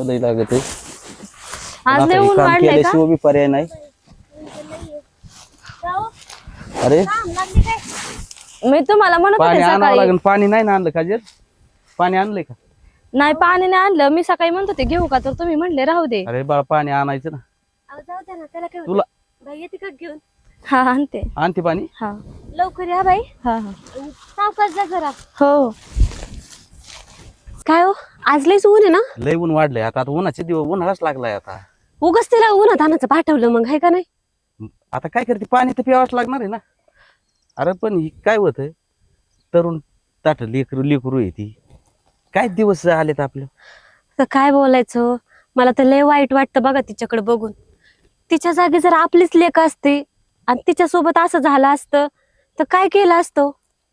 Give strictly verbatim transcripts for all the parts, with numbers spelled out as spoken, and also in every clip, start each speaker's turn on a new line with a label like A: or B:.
A: लई लागत आहे
B: आज लय ऊन वाढलंय का
A: बी पर्याय नाही अरे
B: मी तुम्हाला म्हणत
A: पाणी
B: होते
A: आणावं
B: सकाळी
A: लागेल पाणी नाही ना आणलं काजल पाणी आणलंय का
B: नाही पाणी नाही आणलं मी सकाळी म्हणत होते घेऊ का तर तुम्ही म्हणले राहू दे
A: अरे बाळा पाणी आणायचं ना
B: अहो, जाऊ द्या ना त्याला काय
A: तुला
B: बाई येते का घेऊन हा आणते
A: आणते पाणी
B: हा लवकर या बाई हा हा सावकाश जा जरा हो काय हो आज लयच ऊन आहे ना
A: लय ऊन वाढलंय आता आता उन्हाचे दिवस उन्हाळाच लागलाय आता
B: उगाच तिला उन्हात आणायचं पाठवलं मग आहे का नाही
A: आता काय करते पाणी तर प्यावंच लागणार आहे ना अरे पण ही काय होत तरुण ताट लेकरू लेकरू आहे ती काय दिवस आलेत आपलं
B: तर काय बोलायचं मला तर लय वाईट वाटतं बघा तिच्याकडे बघून तिच्या जागी जर आपलीच लेक असते आणि तिच्यासोबत असं झालं असतं तर काय केलं असतं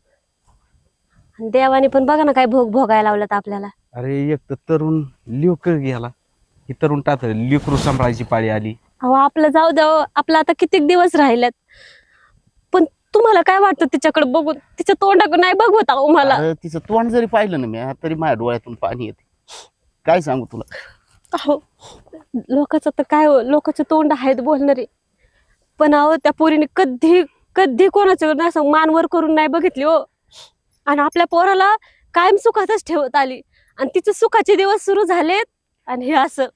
B: आणि देवाने पण बघा ना काय भोग भोगायला लावलं आपल्याला
A: अरे एक तर तरुण लेक गेला ही तरुण ताट लेकरू सांभाळायची पाळी आली
B: अहो आपलं जाऊ द्यावं आपलं आता कितीक दिवस राहिल्यात पण तुम्हाला काय वाटतं तिच्याकडे बघून तिच्या तोंडाकडे नाही बघवत अहो मला
A: अरे तिचं तोंड जरी पाहिलं ना मी तरी माझ्या डोळ्यातून पाणी येते काय सांगू तुला
B: अहो लोकांचं तर काय हो लोकांचे तोंड आहेत बोलणारे पण अहो त्या पोरीने कधी कधी कोणाचं असं मानवर करून नाही बघितली हो आणि आपल्या पोराला कायम सुखातच ठेवत आली आणि तिचे सुखाचे दिवस सुरू झालेत आणि हे असं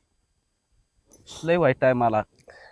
A: लय वाईट आहे मला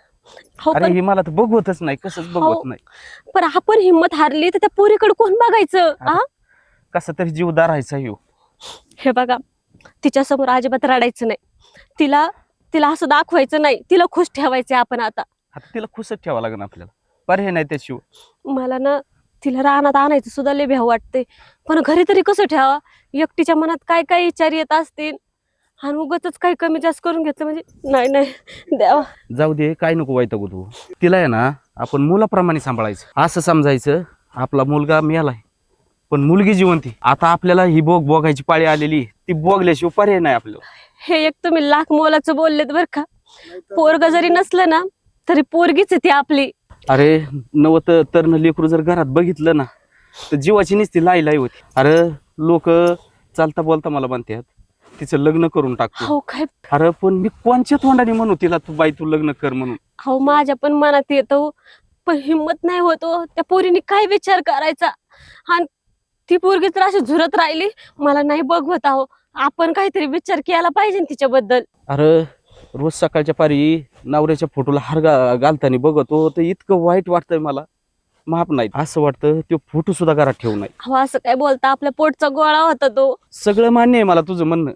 B: हो
A: अरे
B: पण
A: ही मला तर बघवतच नाही कसंच
B: हो.
A: बघवत नाही
B: पण आपण हिंमत हारली तर त्या पोरीकडे कोण बघायचं
A: आता
B: आ
A: कसा तरी जीव दारायचा येऊ
B: हे बघा तिच्या समोर अजिबात रडायचं नाही तिला तिला असं दाखवायचं नाही तिला खुश ठेवायचं आपण आता
A: आता तिला खुशच ठेवावं लागेल आपल्याला पर्याय नाही त्याशिवाय
B: मला ना तिला रानात आणायचं सुद्धा लय भ्याव वाटते पण घरी तरी कसं ठेवा एकटीच्या मनात काय काय विचार येत असतील आणि उगाच काही कमी जास्त करून घेतलं म्हणजे नाही नाही द्यावा
A: जाऊ दे काय नको वैतागू तू तिला आहे ना आपण मुलाप्रमाणे सांभाळायचं असं समजायचं आपला मुलगा मेलाय पण मुलगी जिवंती आता आपल्याला ही बोग बोगायची पाळी आलेली ती बोगल्याशिवाय पर्याय नाही आपल्याला
B: हे एक तुम्ही लाख मोलाचं बोललेत बर का पोरग जरी नसलं ना तरी पोरगीच आहे ती आपली
A: अरे नवत तरण लेकरू जर घरात बघितलं ना तर जीवाची नुसती लाई लाई होती अरे लोक चालता बोलता मला म्हणतात तिचं लग्न करून टाकतो
B: हो काय
A: अरे पण मी कोणच्या तोंडाने म्हणू तिला तू बाई तू लग्न कर म्हणून
B: हो माझ्या पण मनात येतो पण हिंमत नाही होतो त्या पोरीने काय विचार करायचा आणि ती पोरगी तर अशी झुरत राहिली मला नाही बघवत आहो आपण काहीतरी विचार केला पाहिजे तिच्याबद्दल
A: अरे रोज सकाळच्या पारी नवऱ्याच्या फोटोला हार घा घालताना बघतो तर इतकं वाईट वाटतंय मला माफ नाही असं वाटतं तो फोटो सुद्धा घरात ठेवू नाही
B: हो असं काय बोलता आपल्या पोटचा गोळा होता तो
A: सगळं मान्य आहे मला तुझं म्हणणं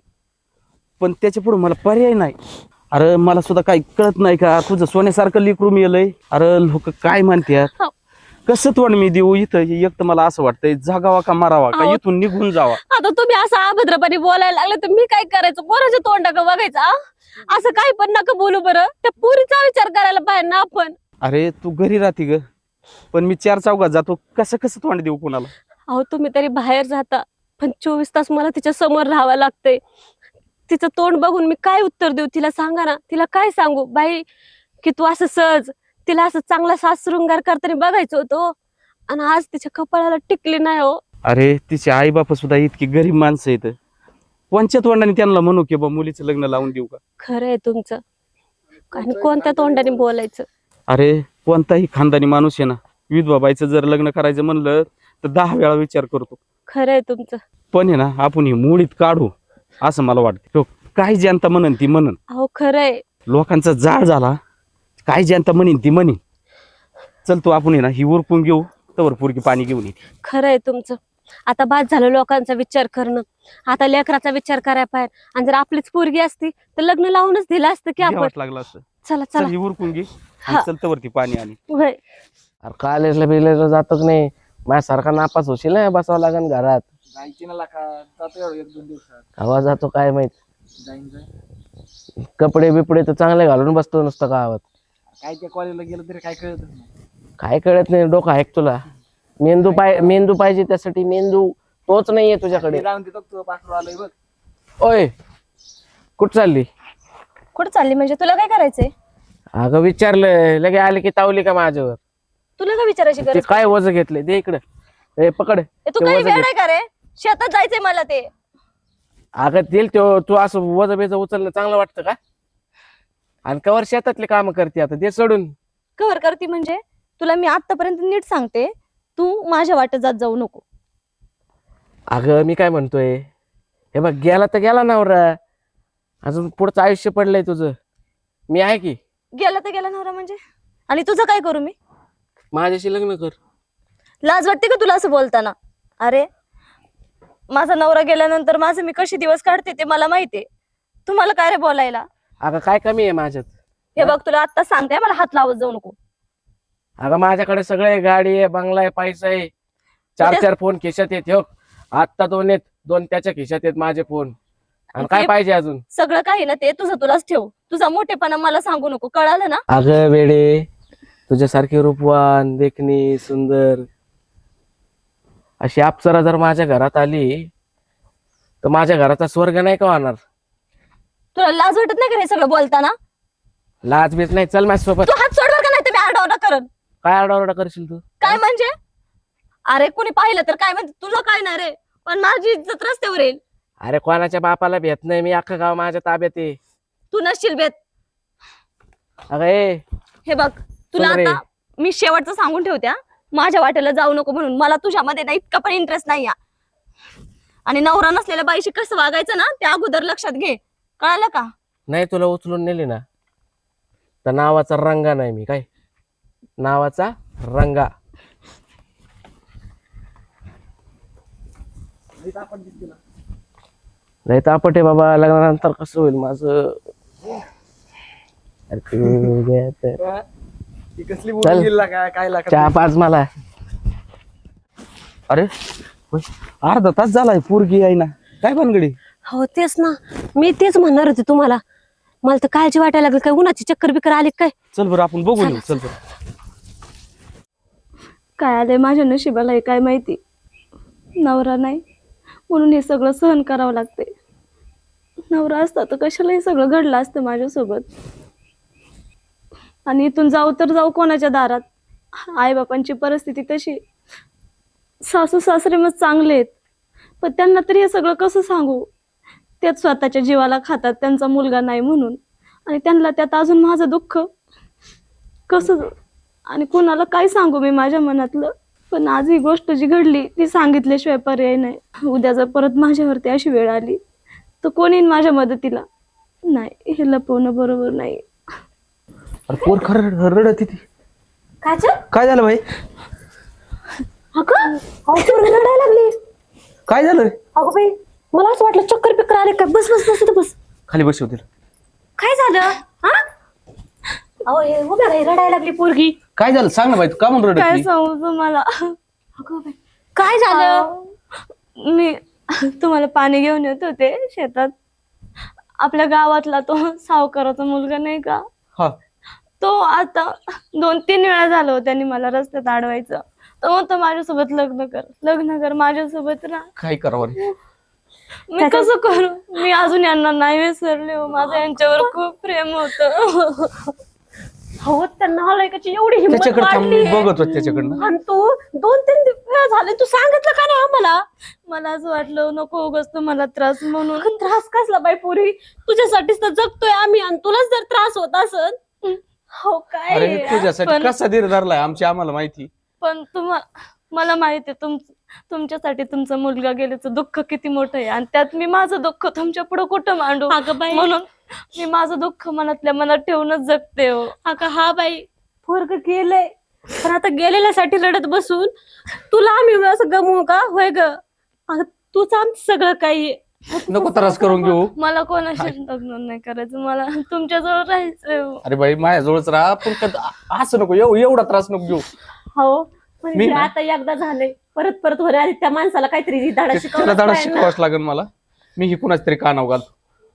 A: पण त्याच्या पुढे मला पर्याय नाही अरे मला सुद्धा काही कळत नाही का तुझं सोन्यासारखं लेकरू मिळलंय अरे लोक काय म्हणतात
B: हो.
A: कसं तोंड मी देऊ इथं एक तर मला असं वाटतंय जगावा का मारावा का
B: अहो.
A: इथून निघून जावा
B: आता तुम्ही असं अभद्रपणे बोलायला लागले तर मी काय करायचं कोणाच्या तोंडाकडे बघायचं आ? असं काही पण नका बोलू बरं त्या पुरीचा विचार करायला पाहिजे ना आपण
A: अरे तू घरी राहते ग पण मी चार चौघात जातो कसं कसं तोंड देऊ कोणाला
B: अहो तुम्ही तरी बाहेर जाता पण चोवीस तास मला तिच्या समोर राहावं लागतंय तिचं तोंड बघून मी काय उत्तर देऊ तिला सांगा ना तिला काय सांगू बाई की तू असं सहज तिला असं चांगला सास शृंगार करताना बघायचं होतं आणि आज तिच्या कपाळाला टिकली नाही हो
A: अरे तिचे आई बाप सुद्धा इतकी गरीब माणसं आहेत कोणच्या तोंडाने त्यांना म्हणू की बा मुलीचं लग्न लावून देऊ का
B: खरं आहे तुमचं आणि कोणत्या तोंडाने बोलायचं
A: अरे कोणताही खानदानी माणूस आहे ना विधवा बाईचं जर लग्न करायचं म्हणलं तर दहा वेळा विचार करतो
B: खरं आहे तुमचं
A: पण आहे ना आपण ही मुळीत काढू असं मला वाटतं काही जनता म्हणन ती म्हणन
B: अहो खरं आहे
A: लोकांचा जाळ झाला काही जनता म्हणीन ती म्हणीन चल तू आपण आहे ना ही उरकून घेऊ तवर पुरकी पाणी घेऊन येते
B: खरं आहे तुमचं आता बाद झालं लोकांचा विचार करणं आता लेकराचा विचार करायला पाहिजे आणि जर आपलीच पोरगी असती तर लग्न लावूनच दिलं असतं की आपण
A: घ्यावंच लागलं असतं
B: चला
A: चल
B: चला
A: ही उरकून घे
B: हा.
A: आणि चल तवरती पाणी आणि
B: होय
C: अरे कॉलेजला बिलेजला जातो की नाही माझ्यासारखा नापास होशील ना बसावं लागेल घरात
D: जायची ना लाका जातो एवढं एक दोन दिवसात
C: हवा जातो काय माहित
D: जाईन जाईन
C: कपडे बिपडे तर चांगले घालून बसतो नुसतं गावात
D: काय त्या कॉलेजला गेलं तरी काय कळतच नाही
C: काय कळत नाही डोकं आहे का तुला मेंदू पाय मेंदू पाहिजे त्यासाठी मेंदू तोच नाहीये तुझ्याकडे
D: ते जाऊन देतो तू पाठवून आलोय बघ
C: ओय कुठं चालली
B: कुठं चालली म्हणजे तुला काय करायचंय
C: अगं विचारलं लगे आले की तावली का माझ्यावर
B: तुला काय विचारायची
C: ते
B: गरज
C: काय वज घेतले दे इकडं ए पकड
B: ए, तू
C: ते
B: काही
C: वजन
B: वेळ
C: घे.
B: आहे का रे शेतात जायचंय मला ते
C: अगं दिल तो तू असं वज बेज उचलणं चांगलं वाटतं का? आणि कवर शेतातले काम करते आता ते सोडून.
B: कव्हर करते म्हणजे तुला मी आतापर्यंत नीट सांगते, तू माझ्या वाटेत जात जाऊ नको.
C: अगं मी काय म्हणतोय, हे बघ गेला तर गेला नवरा, अजून पुढचं आयुष्य पडलंय तुझं. मी आहे की.
B: गेला तर गेला नवरा म्हणजे, आणि तुझं काय करू मी?
C: माझ्याशी लग्न कर.
B: लाज वाटते का तुला असं बोलताना? अरे माझा नवरा गेल्यानंतर माझे मी कशी दिवस काढते ते मला माहितीये. तुम्हाला काय रे बोलायला?
C: अगं काय कमी आहे माझ्यात?
B: हे बघ तुला आता सांगते, मला हात लावत जाऊ नको.
C: अगं माझ्याकडे सगळे गाडी आहे, बंगला आहे, पैसा आहे, चार चार फोन खिशात येत. हो आत्ता दोन आहेत, दोन त्याच्या खिशात आहेत माझे फोन. आणि काय
B: ते-
C: पाहिजे अजून?
B: सगळं काही ना ते तुझं तुलाच ठेव. तुझा मोठेपणा मला सांगू नको, कळालं ना?
C: अगं वेडे, तुझ्यासारखी रूपवान, देखणी, सुंदर अशी अप्सरा जर माझ्या घरात आली तर माझ्या घराचा स्वर्ग नाही का होणार?
B: तुला लाज वाटत नाही का हे सगळं बोलताना?
C: लाज बीज नाही, चल माझ्यासोबत.
B: तू हात सोडवर का नाही तर मी आरडाओरडा करन.
C: काय आरडाओरडा करशील तू?
B: काय म्हणजे? अरे कोणी पाहिलं तर काय म्हणते? तुझं काय नाही रे, पण माझी इज्जत रस्त्यावर येईल.
C: अरे कोणाच्या बापाला भेट नाही, मी अख्खं गाव माझ्या ताब्यात आहे.
B: तू नसशील बेत.
C: अगं ए,
B: हे बघ तुला
C: सुन रे.
B: आता मी शेवटचं सांगून ठेवते हा. माझ्या वाटेला जाऊ नको म्हणून. मला तुझ्यामध्ये ना इतका पण इंटरेस्ट नाही. आणि नवरा नसलेल्या बाईशी कसं वागायचं ना ते अगोदर लक्षात घे, कळालं का?
C: नाही तुला उचलून नेली ना तर नावाचा रंगा नाही मी. काय नावाचा रंगा? नाही तापट आहे बाबा, लग्नानंतर कसं होईल माझं? अरे तू गे तर.
D: ती कसली
C: चल.
D: बोलून गेला काय काय लागा
C: चहा पाच मला.
A: अरे होय, अर्धा तास झालाय पोरगी आहे ना, काय भानगडी?
B: हो तेच ना, मी तेच म्हणणार होते तुम्हाला. मला तर काळजी वाटायला लागली, काय उन्हाची चक्कर बिक्कर आली काय?
A: चल बरं आपण बघून येऊ. चल बरं.
B: काय आलंय माझ्या नशिबाला हे काय माहिती. नवरा नाही म्हणून हे सगळं सहन करावं लागते. नवरा असता तर कशाला हे सगळं घडलं असतं माझ्यासोबत. आणि इथून जाऊ तर जाऊ कोणाच्या दारात? आईबापांची परिस्थिती तशी. सासू सासरे मग चांगले आहेत, पण त्यांना तरी हे सगळं कसं सांगू? तेच स्वतःच्या जीवाला खातात त्यांचा मुलगा नाही म्हणून, आणि त्यांना त्यात अजून माझं दुःख कसं, आणि कोणाला काय सांगू मी माझ्या मनातलं? पण आज ही गोष्ट जी घडली ती सांगितल्याशिवाय पर्याय नाही. उद्या जर परत माझ्यावरती अशी वेळ आली तर कोण येईन माझ्या मदतीला? नाही, हे लपवणं बरोबर नाही.
A: अरे पोर खरं रडत होती.
B: काय
A: काय झालं भाई?
B: अगं रडायला लागली.
A: काय झालं?
B: अगं बाई मला असं वाटलं चक्कर पिक्कर आले काय. बस बस बस इथं बस.
A: खाली बसव तिला.
B: काय झालं? हा अहो हे उभ्या राही, रडायला लागली पोरगी.
A: काय झालं सांग ना बाई, तू का म्हणून रडत
B: काय
A: होती?
B: सांगू तुम्हाला? अगं बाई काय झालं? मी तुम्हाला पाणी घेऊन येत होते शेतात. आपल्या गावातला तो सावकाराचा मुलगा नाही का,
A: हा
B: तो आता दोन तीन वेळा झालं त्यांनी मला रस्त्यात अडवायचं. तो म्हणतो माझ्यासोबत लग्न कर, लग्न कर माझ्यासोबत राहा.
A: काय करावं रे?
B: मी कसं करू? मी अजून यांना नाही विसरले हो. माझं यांच्यावर खूप प्रेम होतं. हो त्यांना हलायकाची एवढी हिंमत
A: त्याच्याकडे थांब,
B: वाढली.
A: मी बघत होत त्याच्याकडनं.
B: आणि तू दोन तीन वेळा झाले तू सांगितलं का नाही आम्हाला? मला असं वाटलं नको उगाच तुम्हाला त्रास म्हणून. त्रास कसला बाई पोरी? तुझ्यासाठीच तर जगतोय आम्ही, आणि तुलाच जर त्रास होत असत. हो काय
A: अरे तुझ्यासाठी
B: पण-
A: कसा धीर धरलाय आमची आम्हाला माहिती.
B: पण तुम्हाला मला माहिती आहे तुम तुमच्यासाठी तुमचा मुलगा गेल्याचं दुःख किती मोठं आहे, आणि त्यात मी माझं दुःख तुमच्या पुढे कुठं मांडू? म्हणून मी माझं दुःख मनातल्या मनात ठेवूनच जगते हो. अगं हा बाई पोरग गेलंय, पण आता गेलेल्यासाठी रडत बसून तुला आम्ही असं गमवू का? होय ग, अगं तूच आमचं सगळं काही.
A: नको त्रास करून घेऊ.
B: मला कोणाशी लग्न नाही करायचं, मला तुमच्याजवळ राहायचंय हो.
A: अरे बाई माझ्याजवळच राहा, पण कद- असं नको एव- एवढा त्रास नको घेऊ.
E: हो
A: मी
E: म्हणजे
A: ना-
E: आता एकदा झाले, परत परत वर आली त्या माणसाला काहीतरी धडा
A: त्याला
E: शिकवला
A: धडा शिकवाच लागेल मला. मी ही कुणाच तरी कानाव घालतो.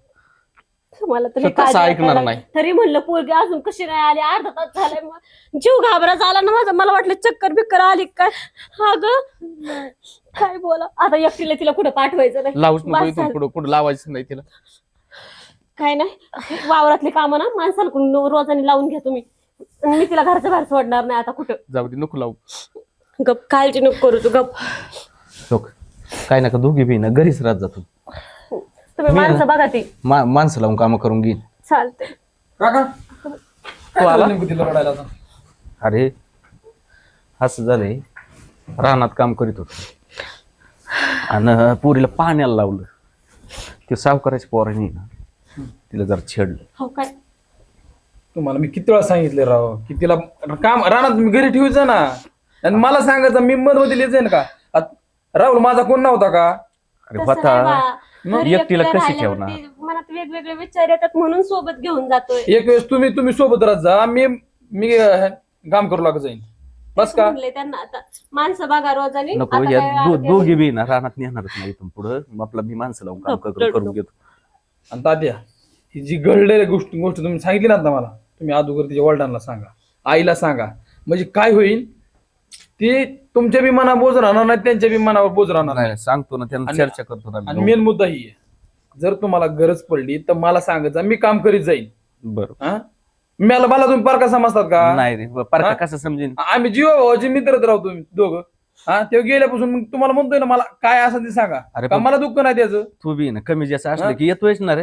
E: मला तरी
A: तो तसं
E: काळजी
A: ऐकणार
E: वाटायला
A: नाही.
E: लागली. तरी म्हणलं पोरगी अजून कशी नाही आली, अर्धा तास झालाय, मग जीव घाबरा झाला ना माझा. मला वाटलं चक्कर बिक्कर आली काय. हा ग काय बोला आता, एकटीला तिला कुठं पाठवायचं नाही.
A: लावूच नको
E: बस
A: इथून
E: झालं.
A: पुढं कुठं लावायचं नाही तिला.
E: काय नाही, वावरातली कामं ना माणसाला रोजाने लावून घ्या तुम्ही. मी तिला घरच्या बाहेर सोडणार नाही आता कुठं.
A: जाऊ दे नको लावू.
E: गप काळजी नको करू तू, गप.
A: लोक काय नका दोघी बी ना घरीच राहत जातो.
E: तुम्ही
A: मी-
E: माणसं बघा ती
A: मा- माणसं लावून कामं करून घेईन.
E: चालते.
D: काका काय
A: आला?
D: झालं नेमकं तिला रडायला आता?
A: अरे असं झालंय, रानात काम करीत होतो आणि पोरीला पाण्याला लावलं. ते सावकाराच्या पोराने ना तिला जरा छेडलं.
E: हो काय
D: तुम्हाला मी किती वेळा सांगितले राव की तिला काम रानात तुम्ही घरी ठेवायचं ना, आणि मला सांगायचं मी मध्ये लिहायचं ना का आत- राहुल माझा कोण नव्हता का?
A: अरे
E: तसं
A: होता
E: नाही बा.
A: मग
E: घरी
A: एकटीला
E: एकटं
A: कशी
E: राहिल्यावरती
A: ठेवणार?
E: मनात वेगवेगळे विचार येतात म्हणून सोबत घेऊन जातोय.
D: एक वेळेस तुम्ही तुम्ही सोबत राहत जा, मी मी अं, काम करू लागत जाईन बस का?
E: म्हणले त्यांना आता माणसं बघा रोजानी.
A: नको
E: आता
A: या
E: काय
A: दो-
E: आरोग्य-
A: दोघी बी ना रानात नेणारच नाही इथून पुढं. आपला मी माणसं लावून काम
E: गप,
A: करून
E: रडू
A: करून घेतो.
D: आणि तात्या ही जी घडलेली गोष्ट गोष्ट तुम्ही सांगितली ना आता मला, तुम्ही अगोदर तिच्या वडिलांना सांगा, आईला सांगा, म्हणजे काय होईल ती तुमच्या बी मनावर बोज राहणार नाही, त्यांच्या बी मनावर बोज राहणार नाही.
A: नाही सांगतो ना त्यांना,
D: आणि-
A: चर्चा करतो ना
D: आणि
A: मी.
D: मेन मुद्दा ही आहे, जर तुम्हाला गरज पडली तर मला सांगायचं, मी काम करीत जाईन.
A: बरोबर.
D: हा मला मला तुम्ही पारका समजतात का?
A: नाही रे पारखा
D: हा?
A: कसं समजेन?
D: आम्ही जीव भावाचे मित्रच राहतो तुम्ही दोघं. हा ते गेल्यापासून मग तुम्हाला म्हणतोय ना मला काय असं ते सांगा,
A: अरे
D: का
A: पण-
D: मला दुःख नाही त्याचं.
A: तू बी ना कमी जास्त
D: हा?
A: असलं की येतोयच ना रे.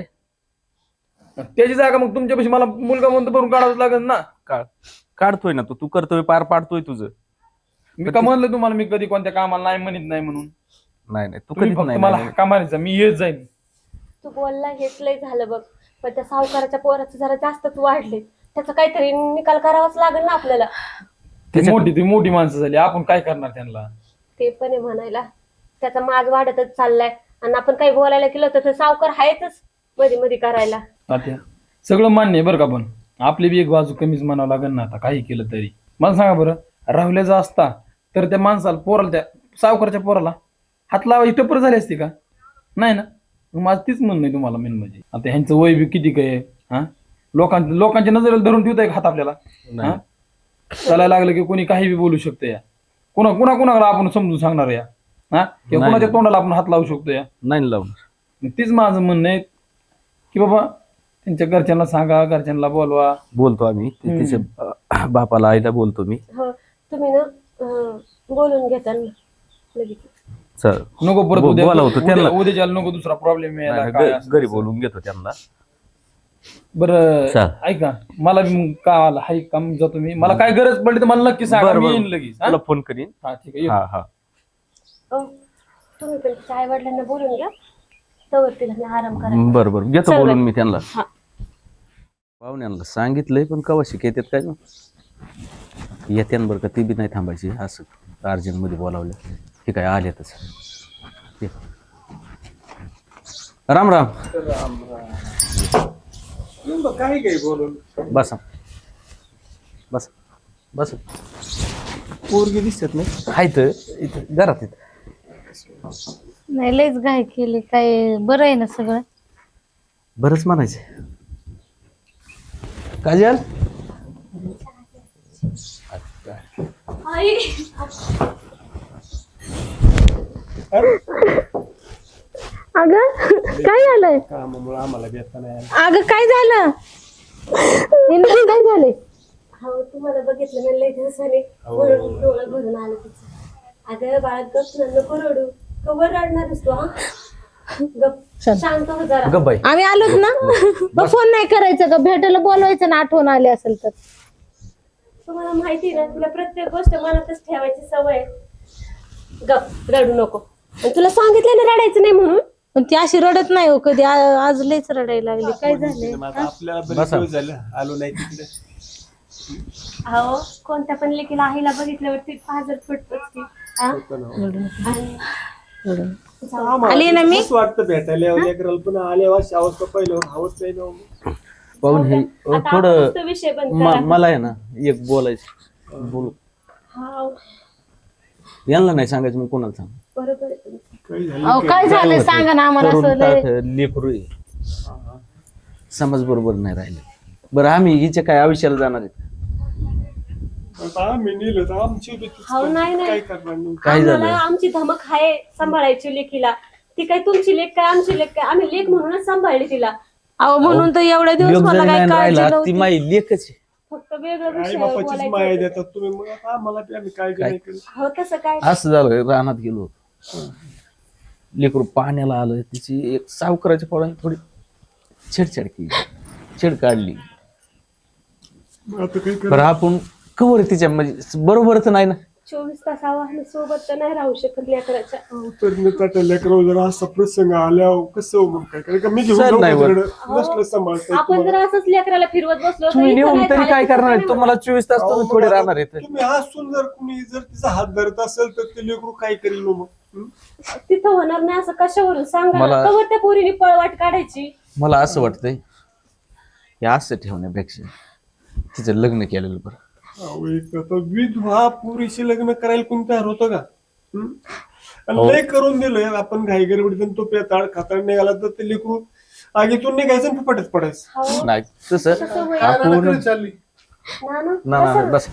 D: त्याची जागा मग तुमच्यापाशी मला मुलगा म्हणतो भरून काढावंच लागेल ना.
A: काढ काढतोय ना तू तू कर्तव्य पार पाडतोय तुझं.
D: मी का म्हणलं तुम्हाला मी कधी कोणत्या कामाला नाही म्हणत नाही म्हणून?
A: नाही नाही तू
D: तुम्ही
A: कधीच
D: फक्त
A: नाही
D: मला
A: नाही.
D: हक्का मारायचा, मी येत जाईन.
E: तू बोलला हेच लय झालं बघ, पण त्या सावकाराच्या पोराचं जरा जास्तच वाढले. त्याचा काहीतरी निकाल करावाच लागेल ना आपल्याला.
D: ती
A: त्याच्यात-
D: मोठी ती मोठी माणसं झाली, आपण काय करणार त्यांना?
E: ते पण आहे म्हणायला. त्याचा माज वाढतच चाललाय आणि आपण काही बोलायला गेलो तर ते सावकार आहेतच मध्ये मध्ये करायला.
D: तात्या सगळं मान्य आहे बरं का, पण आपली बी एक बाजू कमीच म्हणावं लागेल ना आता काही केलं तरी. मला सांगा बरं, राहुल्याचा असता तर त्या माणसाला पोराला, त्या सावकारच्या पोराला हात लावायची टप्पर झाली असती का? नाही ना. मग माझं तीच म्हणणं आहे तुम्हाला मेन म्हणजे. आता ह्यांचं वय बी किती काय हा, लोकांच्या लोकांच्या नजरेला धरून ठेवताय का हात आपल्याला?
A: नाही.
D: हा चालायला लागलं की कोणी काही बी बोलू शकतं या, कुणा कुणा कुणाला आपण समजून सांगणार या, हा किंवा
A: नाही.
D: कुणाच्या तोंडाला आपण हात लावू शकतो या.
A: नाही लावून.
D: मग तीच माझं म्हणणं आहे की बाबा त्यांच्या घरच्यांना सांगा, घरच्यांना बोलवा.
A: बोलतो आम्ही ते
D: हम्म.
A: तिच्या अं, बापाला आईला बोलतो मी.
E: हो तुम्ही ना अं, बोलून घेता ना लगेच.
A: चल
D: नको परत
A: बो-
D: उद्या
A: बोलावतो
D: उद्या
A: त्यांना.
D: उद्याच्याला नको दुसरा प्रॉब्लेम यायला
A: नाही,
D: काय
A: घ-
D: असं
A: घरी
D: तसं.
A: बोलून घेतो त्यांना.
D: बरं
A: चल.
D: ऐका, मला बी मग का आला हाय काम जातो मी, मला काय गरज पडली तर मला नक्की सांगा,
A: बरं,
D: मी
A: बरं.
D: येईन लगेच. हा?
A: तुला फोन करीन.
D: हा ठीक आहे येतो.
A: हा हा
E: हो तुम्ही पण तिच्या आई वडिलांना बोलून घ्या, तवर तिला मी आराम करायला.
A: बरं बरं घेतो
E: चल
A: बोलून
E: बाई.
A: मी त्यांना.
E: हा.
A: पाहुण्यांना सांगितलंय पण कवा शिक येतात काय ना येत्या बरं का, ती बी नाही थांबायची. असं अर्जंट मध्ये बोलावलं हे काय आलेतच. ये. राम राम.
D: काय काय बोलून
A: बसा बस बस.
D: पोरगी दिसत नाही.
A: हाय तर इथं घरात इथं.
F: नाही लयच घाई केली. काय बरं आहे ना सगळं?
A: बरंच म्हणायचं. काजल
E: आई
B: अगं काय झालंय? अगं काय झालं? हिला काय झालंय?
E: हो तुम्हाला बघितलं ना लय दिवसाने म्हणून डोळं भरून आलं तिचं. अगं बाळा गप ना, नको रडू. कवर रडणारच तू हा? गप शांत हो जरा.
A: गप बाई.
B: आम्ही आलोच ना, मग फोन नाही करायचं का? भेटायला बोलवायचं ना, आठवण आली असेल तर.
E: तुम्हाला माहिती ना तुला प्रत्येक गोष्ट मनातच ठेवायची सवय आहे. गप रडू नको. आणि तुला सांगितलं ना रडायचं नाही म्हणून.
B: पण ती अशी रडत नाही हो कधी. आ- आज लयच रडायला लागली. काय झालंय?
A: बसा.
E: अहो कोणत्या पण लेकीला आईला बघितल्यावरती पाजर फुटतोच की. हा? आणि
B: आली ना मी.
G: वाटतं भेटायला लेकराला पुन्हा आले अवस्था पहिलं हवंच नाही ना.
A: पाहून हे
E: आता आपण
A: थोडं
E: नुसतं विषय बंद
A: म-
E: करा.
A: मला आहे ना एक बोलायचं. बोलू
E: हा
A: यांना नाही सांगायचं मग कोणाला सांग.
E: बरोबर आहे तुमचं.
G: काही झालं
B: अहो काय झालंय सांगा ना आम्हाला.
A: तरुण
B: असं लय-
A: ताठ लेकरू आहे. समाज बरोबर नाही राहिले. बरं आम्ही हिच्या काय आयुष्याला जाणार आहेत?
G: आता आम्ही नेलं तर आमची बी तीच
E: हो नाही
G: काय
E: नाही
G: करणार नाही.
A: काय
E: आम्हाला
A: झालं?
E: आमची धमक आहे सांभाळायची लेकीला. ती काय तुमची लेख काय आमची लेख काय, आम्ही लेख म्हणूनच सांभाळली तिला.
B: अहो म्हणून तर एवढे दिवस
A: योग
B: मला
A: जरी
B: काय
A: नाही
B: काळजी
A: राहिला ती
B: नव्हती.
A: माई लेखच आहे.
E: फक्त वेगळं
G: आई
E: विषय
G: बापाचीच माया
E: बोलायचं.
G: देतात तुम्ही, मग आता आम्हाला बी आम्ही काळजी
A: काय?
G: नाही करत.
E: हो तसं काय
A: असं झालं रानात गेलो. लेकरू पाण्याला आलं, तिची एक सावकाराच्या पोराने थोडी छेडछाड केली, छेड काढली.
G: आता काही
A: बरं आपण कवर तिच्या म्हणजे बरोबरच नाही ना.
B: चोवीस तास आव्हान सोबत तर नाही राहू शकत लेकराच्या.
G: तर लेकर जर असा प्रसंग आल्यावर कसं मग काय कारण का मी घेऊन
A: सर
G: जाऊ
A: नाही
G: का
A: वर.
G: तिकडं? नसलं सांभाळता येत
B: आपण
G: तुम्हाला.
B: जर असंच लेकराला फिरवत बसलो तर
A: तुम्ही
B: इथं
A: नेऊन
B: नाही
A: तरी
B: झालं
A: काय
B: तर
A: करणार आहे?
B: काय
A: तुम्हाला चोवीस तास
G: अहो,
A: तुम्ही
G: मग
A: थोडे
G: आता
A: राहणार आहेत.
G: तुम्ही हसून जर कुणी जर तिचा हात धरत असेल तर ते लेकरू काय करेल मग हं?
B: होणार? तिथं होणार नाही असं कशावरून सांगा ना.
A: मला-
B: कवर त्या पोरीने पळवाट काढायची.
A: मला असं वाटतंय हे असं ठेवण्यापेक्षा तिचं लग्न केलेलं बरं.
G: अहो, एक आता विधवा पुरीशी लग्न करायला कोण तयार होतं का हं? आणि
A: हो.
G: लय करून दिलंय आपण घाई गडबडीतून तो पेताळ खाताळ निघाला तर ते लेकरू आगीतून निघायचं आणि फुपाट्यात पडायचं.
B: हो.
A: नाही तसं
B: तसं होईल.
A: आपण
G: चालली
B: ना ना.
A: ना ना बस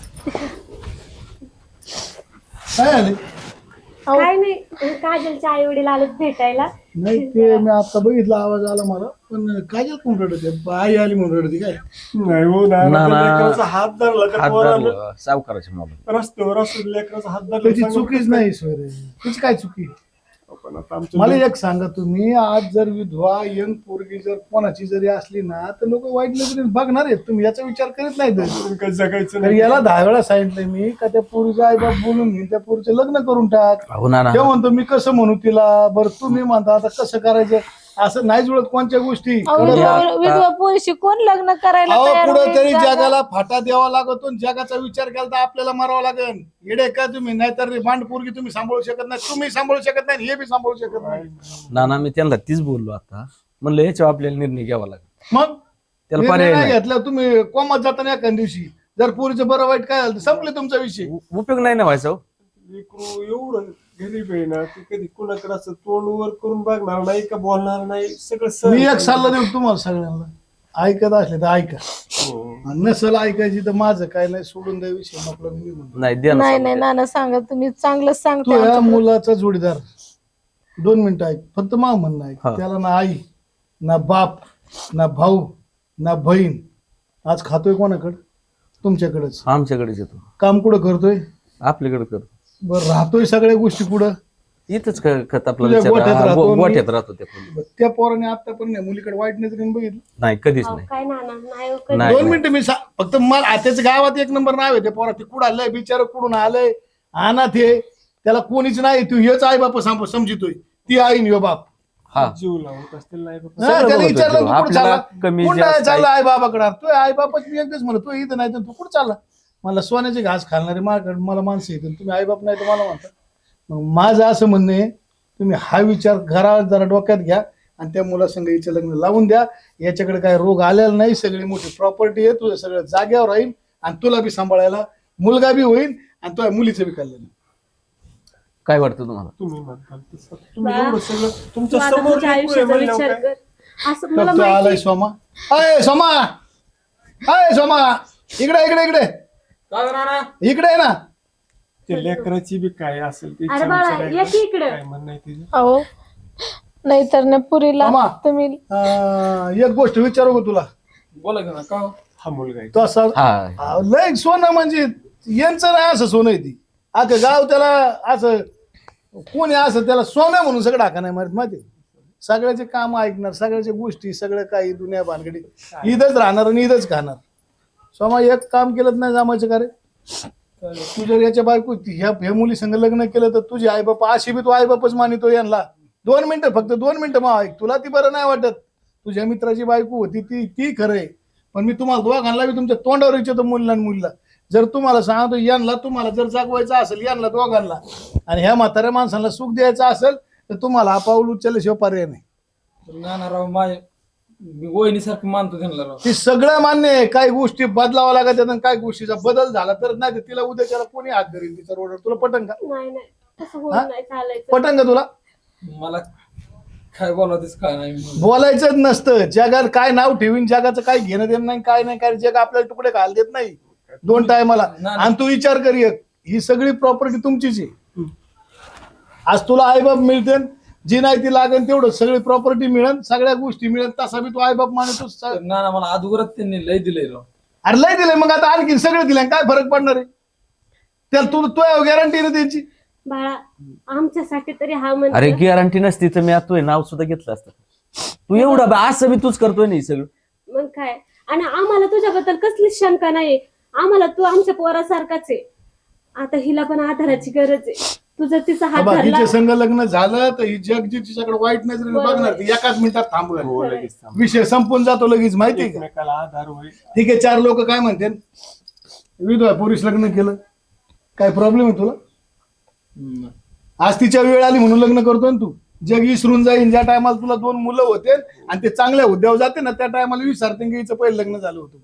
H: काय आले
B: काय नाही काजलच्या आई वडील आलेत भेटायला.
H: नाही ते मी आता बघितला आवाज आला मला पण काजल कोण रडते आई आली म्हणून रडते काय
G: नाही हो ना
A: ना, ना.
G: लेकराचा हात धरला त्या
A: हात
G: पोरानं.
A: धरलं सावकाराच्या मोबाईल.
G: रस्त्यावर असं लेकराचा हात धरला
H: त्याची
G: सांगा
H: चुकीच
G: कसं
H: नाही सोय तिची काय चुकी
G: पण आता आमचं
H: मला एक सांगा तुम्ही आज जर विधवा यंग पोरगी जर कोणाची जरी असली ना तर लोक वाईट नजरेने बघणार आहेत तुम्ही याचा विचार करीत नाही तर.
G: लेकरून काही जगायचं
H: तर
G: नाही
H: याला दहा वेळा सांगितलंय मी का त्या पोरीचा आई बाप बोलून घेऊन त्या पोरीचं लग्न करून टाक.
A: हो ना ना
H: ते म्हणतो मी कसं म्हणू तिला बरं तुम्ही म्हणता आता कसं करायचं असं नाही जुळत कोणत्या गोष्टी
F: अहो, विधवा विधवा पोरीशी कोण लग्न करायला
H: अहो
F: तयार होईल?
H: कुठंतरी
F: जागा-
H: जगाला फाटा द्यावा लागतो आणि जगाचा विचार केला तर आपल्याला मारावं लागेल. येडे का तुम्ही नाहीतर भांड पोरगी तुम्ही सांभाळू शकत नाही तुम्ही सांभाळू शकत नाही हे बी सांभाळू शकत नाही
A: ना ना मी त्यांना तीच बोललो आता म्हणलं याच्यावर आपल्याला निर्णय घ्यावा लागेल.
H: मग
A: त्याला
H: निर्णय
A: पर्याय
H: नाही
A: नाही.
H: घेतला तुम्ही कोमात जाताना एखाद दिवशी जर पोरीचं बरं वाईट काय झालं तर संपले तुमचा विषय.
A: उ- उपयोग नाही ना व्हायचा हो.
G: लेकरू एवढं गरीब आहे ना ते कधी कुणाकडे असं तोंड वर करून बघणार नाही का बोलणार नाही सगळं सहन
H: मी एक
G: करेल.
H: सल्ला देऊ तुम्हाला सगळ्यांना ऐकत असले तर ऐका
G: हो.
H: आणि नसेल ऐकायची तर माझं काय नाही सोडून द्या विषय आपला मी निघून जातो.
A: नाही द्या ना
F: नाही
A: सांगून
F: नाही
A: द्या.
F: नाना सांगा तुम्ही चांगलं
H: तो
F: सांगता
H: या
F: आमच्याकडे.
H: मुलाचा जोडीदार दोन मिनिटं ऐक फक्त मा म्हणणं ऐक
A: हा.
H: त्याला ना आई ना बाप ना भाऊ ना बहीण आज खातोय कोणाकडं तुमच्याकडेच
A: आमच्याकडेच येतो
H: काम कुठं करतोय
A: आपल्याकडे करतो.
H: बरं राहतोय सगळ्या गोष्टी कुठं
A: इथंच क- खत आपला
H: तुझ्या
A: विचार-
H: गोठ्यात
A: हा,
H: राहतो
A: गो-
H: आणि-
A: गोठ्यात राहतो त्या खोलीत.
H: बरं, त्या पोराने आता पण नाही मुलीकडे वाईट नजरेने बघितलं
A: नाही कधीच
B: अहो,
A: नाही.
B: काय ना ना नाही हो, कधी.
A: नाही.
H: दोन मिनिटं मी सा- फक्त मला आत्याच्या गावात एक नंबर नाव आहे त्या पोरा ते कुठं आलंय बिचार कुठून आलंय अनाथ आहे त्याला कोणीच नाही तू हेच आई बाप सांभ समजितोय ती आई आणि ह्यो बाप
A: हा
G: जीव लावत असतील नाही बाबा.
H: हा,
A: सगळं
H: त्याला
A: बघतो
H: विचारलं
A: तो.
H: तू कुठं
A: आपल्याला
H: चालला
A: कमी
H: कुठं
A: जास्त
H: चालला आई बाबाकडे तू आई बापच मी एकदाच म्हणतो तू इथं नाही तर तू कुठं चालला मला सोन्याचे घास खालणारे माझ्याकडे मला माणसं येतील तुम्ही आई बाप नाही तर मला म्हणता मग माझं असं म्हणणं आहे तुम्ही हा विचार घरात जरा डोक्यात घ्या आणि त्या मुलासंग हिचं लग्न लावून द्या याच्याकडे काय रोग आलेला नाही सगळी मोठी प्रॉपर्टी आहे तुझं सगळं जाग्यावर राहील आणि तुला बी सांभाळायला मुलगा बी होईल आणि तुझ्या मुलीचं बी कल्याण.
A: काय वाटतं तुम्हाला?
G: तुम्ही म्हणताल तसं. तुम्ही
B: बा,
G: एवढं सगळं
B: तू
G: तुमच्या
B: आता
G: समोर
B: तुझ्या
G: लेकरू आहे
B: आयुष्याचा
G: म्हणल्यावर
B: विचार
G: काय?
B: कर. असं मला
H: तर तो आलाय
B: माहिती
H: सोमा अय सोमा अय सोमा इकडे इकडे इकडे इकडे आहे ना
G: ते लेकराची बी काय असेल ते
B: अरे बाळा,
G: विचारायचं.
B: ये की इकडं.
G: काय म्हणणं आहे तिचं?
F: अहो नाहीतर ना पुरीला
H: मामा.
F: तुम्ही
H: अं, एक गोष्ट विचारू का तुला
D: बोला की ना का हो?
G: हा मुलगा आहे.
H: तो असा
A: हा
H: अं, लय सोनं म्हणजे यांचं नाही असं सोनं आहे ती अगं गाव त्याला असं कोणी असं त्याला सोनं म्हणून सगळं टाका नाही माहित माहिती सगळ्याचे काम ऐकणार सगळ्याच्या गोष्टी सगळं काही दुनिया भानगडी ईदच राहणार आणि ईदच खाणार सोमा एक काम केलं नाही जमायचं का रे तू जर याच्या बायको ह्या ह्या मुली संग लग्न केलं तर तुझी आई बापा अशी बी तू आई बापच मानितो यांना दोन मिनिटं फक्त दोन मिनिटं मग ऐक तुला ती बरं नाही वाटत तुझ्या मित्राची बायको होती ती ती खरं आहे पण मी तुम्हाला दोघांना बी तुमच्या तोंडावर विचारतो मुलीला आणि मुलीला जर तुम्हाला सांगतो यांना तुम्हाला जर जागवायचं असेल यांना दोघांना आणि ह्या म्हाताऱ्या माणसांना सुख द्यायचं असेल तर तुम्हाला हा पाऊल उचलल्याशिवाय पर्याय नाही.
D: नाना राव माझ्या वहिनीसारखं मानतो त्यांना राव.
H: ती सगळं मान्य आहे काही गोष्टी बदलावा लागत आहेत आणि काही गोष्टीचा बदल झाला तर नाही तर तिला उद्या त्याला कोणी हात धरेल तिच्या रोडवर तुला पटंग का
B: नाही नाही तसं होत
H: हा?
B: नाही चालायचं.
H: पटंग का तुला
D: मला काय बोलावतेच काय नाही
H: बोलायचंच नसतं जगात काय नाव ठेवीन जगाचं काय घेणं देणं नाही काय नाही काय जग आपल्याला तुकडे घाल देत नाही दोन टायमाला आणि तू विचार कर एक ही सगळी प्रॉपर्टी तुमचीच आहे आज तुला आईबाप मिळते जी नाही ती लागेल तेवढं सगळी प्रॉपर्टी मिळेल सगळ्या गोष्टी मिळेल तसा बी तू आईबाप मानतो स-
D: नाना मला अगोदरच त्यांनी लय दिलंय राव.
H: अरे लय दिलंय मग आता आणखी सगळं दिलंय काय फरक पडणार आहे त्याला तू तो गॅरंटी ना त्यांची
E: बाळा आमच्यासाठी तरी हा म्हणजे
A: अरे गॅरंटी नसती तर मी आता नाव सुद्धा घेतलं असतं. तू एवढं बा- असं मी तूच करतोय नाही सगळं.
E: मग काय. आणि आम्हाला तुझ्याबद्दल कसलीच शंका नाही. आम्हाला तू आमच्या पोरासारखाच आहे. आता हिला पण आधाराची गरज आहे. तुझं तिचा हात
H: बाबा,
E: धरला.
H: तिचे संग लग्न झालं तर ही जग जी तिच्याकडे वाईट नजरेने
E: बरोबर.
H: बघणार ती एकाच मिनिटात थांबवेल.
G: हो लगेच थांब.
H: विषय संपून जातो लगेच, माहितीये का?
G: एकमेकाला आधार होईल.
H: ठीक आहे, चार लोक काय म्हणते, विधवा पुरुष लग्न केलं, काय प्रॉब्लेम आहे तुला? आज तिच्या वेळ आली म्हणून लग्न करतोय ना तू. जग विसरून जाईन. ज्या टायमाला तुला दोन मुलं होते आणि ते चांगल्या हुद्द्यावर जाते ना, त्या टायमाला विसरते की हिचं पहिलं लग्न झालं होतं म्हणून.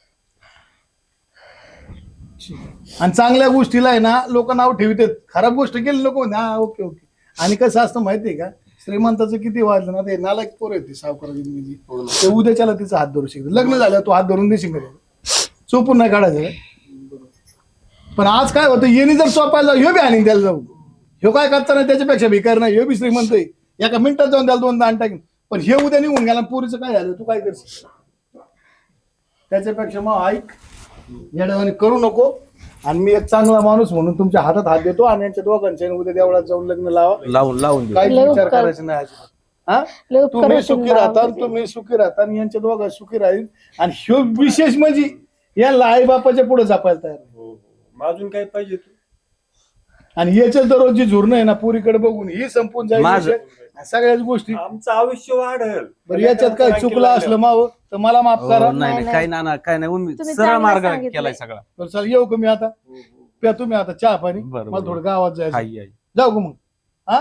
H: आणि चांगल्या गोष्टीला आहे ना लोक नाव ठेवतात, खराब गोष्ट केली लोक म्हणते हा ओके ओके. आणि कसं असतं माहितीये का, श्रीमंताचं किती वाजलं ना, ते नालायक पोर येते सावकाराची, ते उद्याच्याला तिचा हात धरू शकते. लग्न झालं तू हात धरून देशील का? चोपून नाही काढायचं काय? पण आज काय होतं, येणी जर चोपायला ह्यो बी आणि त्याला जाऊ, ह्यो काय करता नाही त्याच्यापेक्षा भिकार नाही, ह्यो बी श्रीमंत आहे, एका मिनिटात जाऊन त्याला दोन दान टाकीन. पण हे उद्या निघून गेला, पुरीचं काय झालं, तू काय करशील? त्याच्यापेक्षा मग ऐक, येड्यावानी करू नको. आणि मी एक चांगला माणूस म्हणून तुमच्या हातात हात देतो आणि यांच्या दोघांच्या उद्या देवळात जाऊन लग्न लावा.
A: लावून लावून देऊ.
H: काही
F: लय
H: विचार
F: उपकार.
H: करायचा नाही अजिबात. हा,
F: लय उपकार
H: तुम्ही
F: होतील
H: सुखी
F: ना
H: राहता,
F: आमचे.
H: तुम्ही सुखी राहता आणि यांच्या दोघं सुखी राहील. आणि ह्यो विशेष म्हणजे या आई बापाच्या पुढे जपायला तयार आहे.
G: हो हो. अजून काय पाहिजे तू?
H: आणि याच्या दररोज जी झुरणं आहे ना पुरीकडे बघून ही संपून जाईल
A: माझं-
H: विषय. सगळ्याच गोष्टी.
G: आमचं आयुष्य वाढेल.
H: बरं, याच्यात काय चुकलं असलं माव तर मला माफ
A: हो,
H: करा.
A: नाही नाही काय ना ना काय नाही उम्मीद
F: तुम्ही
A: सरळ
F: चांगलं
A: मार्ग
F: सांगितलंय.
A: केलाय सगळा.
H: बरं चल, येऊ का मी आता? प्या तुम्ही आता चहा पाणी,
A: बरं,
H: मला
A: बरं.
H: थोडं गावात जायचं.
A: हाय, हाय.
H: जाऊ का मग? हा,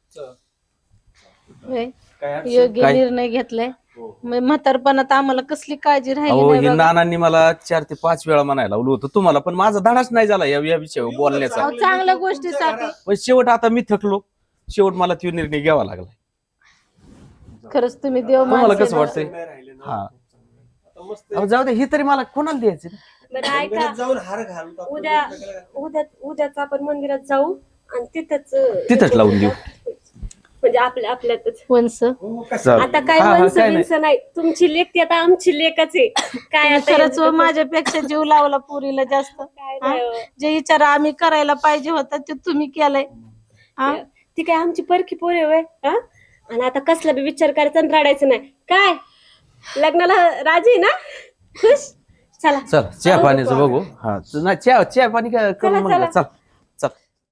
F: होय.
G: काय अडचण?
F: योग्य
A: काय?
F: निर्णय घेतलाय. मग म्हातारपणात आम्हाला कसली काळजी राहिली
A: अहो
F: नाही
A: हे
F: बघा.
A: नानांनी मला चार ते पाच वेळा म्हणायला लावलं होतं तुम्हाला, पण माझा धडाच नाही झाला या या विषयावर बोलण्याचा.
F: अहो, चांगल्या गोष्टीसाठी
A: पण शेवट आता मी थकलो. शेवट मला तो निर्णय घ्यावा लागला.
F: खरंच तुम्ही देव
A: तुम्हाला
F: माणसं
A: कसं
F: आहे.
A: वाटतंय?
G: नाही राहिले ना.
A: हा.
G: आता मस्त
A: अहो, जाऊ दे, हे तरी मला कोणाला द्यायचं?
E: बरं ऐका,
G: मंदिरात जाऊन हार घालू आपण.
E: उद्या उद्या उद्याच आपण मंदिरात जाऊ आणि तिथंच
A: तिथंच लावून देऊ.
E: म्हणजे आपल्या आपल्यातच.
F: वंश
G: हो, कसं?
A: चालेल.
E: आता काय
A: हा, हा,
E: वंश
A: काय नाही.
E: बिंस नाही. तुमची लेख ती आता आमची लेखच आहे. काय
F: तुम्ही
E: आता
F: खरंच व
E: एवढं-
F: माझ्यापेक्षा जीव लावला पुरीला जास्त.
E: काय
F: हा?
E: नाही हो.
F: जे विचार आम्ही करायला पाहिजे होता ते तुम्ही केलाय. हा?
E: ती काय आमची परखी पोरे होय. हा? आणि आता कसला बी विचार करायचा आणि रडायचं नाही. काय लग्नाला राजी आहे ना? खुश. चला
A: चल चहा पाण्याचं बघू. हा नाही, चहा चहा पाणी काय करून
E: चला,
A: म्हणलं.
E: चला.
A: चल